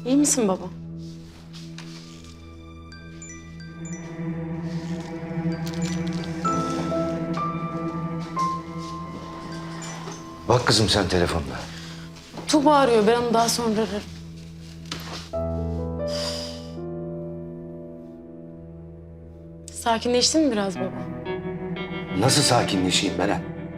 İyi misin baba? Bak kızım sen telefonda. Tuğba arıyor. Ben onu daha sonra ararım. Sakinleştin mi biraz baba? Nasıl sakinleşeyim Beren?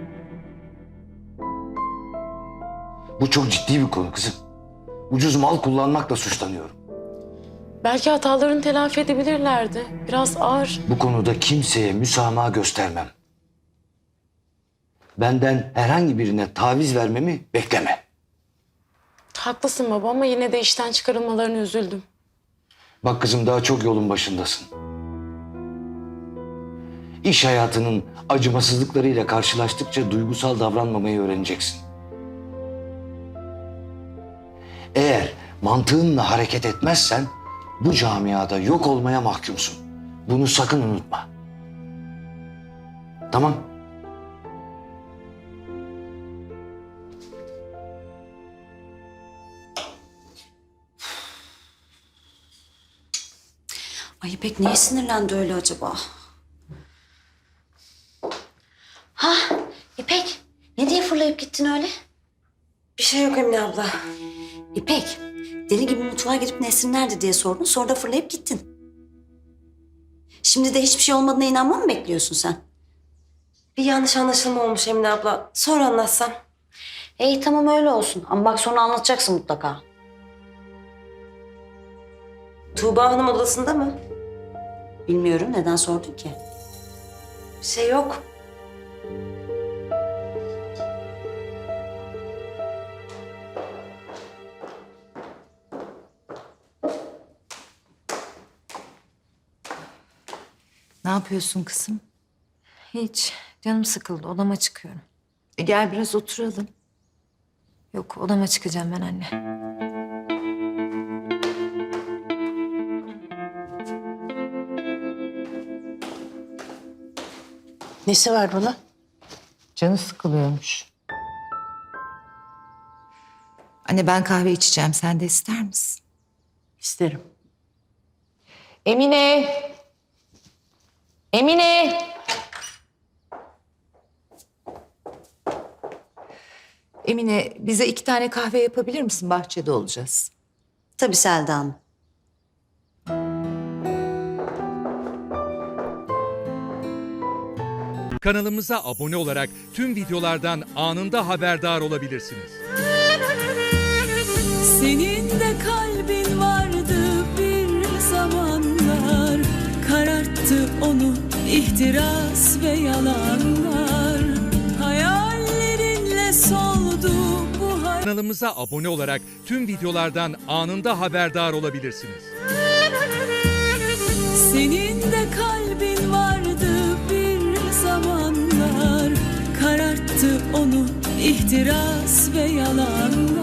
Bu çok ciddi bir konu kızım. Ucuz mal kullanmakla suçlanıyorum. Belki hatalarını telafi edebilirlerdi. Biraz ağır. Bu konuda kimseye müsamaha göstermem. Benden herhangi birine taviz vermemi bekleme. Haklısın baba ama yine de işten çıkarılmalarına üzüldüm. Bak kızım daha çok yolun başındasın. İş hayatının acımasızlıklarıyla karşılaştıkça duygusal davranmamayı öğreneceksin. Eğer mantığınla hareket etmezsen bu camiada yok olmaya mahkumsun. Bunu sakın unutma. Tamam? Ay İpek niye sinirlendi öyle acaba? Ha İpek ne diye fırlayıp gittin öyle? Bir şey yok Emine abla. İpek deli gibi mutfağa girip Nesrin nerede diye sordun, sonra da fırlayıp gittin. Şimdi de hiçbir şey olmadığına inanmamı mı bekliyorsun sen? Bir yanlış anlaşılma olmuş Emine abla. Sonra anlatsam. İyi tamam öyle olsun ama bak sonra anlatacaksın mutlaka. Tuğba Hanım odasında mı? Bilmiyorum, neden sordun ki? Bir şey yok. Ne yapıyorsun kızım? Hiç. Canım sıkıldı. Odama çıkıyorum. Gel biraz oturalım. Yok, odama çıkacağım ben anne. Nesi var bunun? Canı sıkılıyormuş. Anne ben kahve içeceğim. Sen de ister misin? İsterim. Emine! Emine! Emine bize 2 tane kahve yapabilir misin? Bahçede olacağız. Tabii Selda Hanım. Kanalımıza abone olarak tüm videolardan anında haberdar olabilirsiniz. Senin de kalbin vardı bir zamanlar, kararttı onu ihtiras ve yalanlar. Hayallerinle soldu bu Kanalımıza abone olarak tüm videolardan anında haberdar olabilirsiniz. Senin de kalbin vardı bir zamanlar, kararttı onu ihtiras ve yalanlar.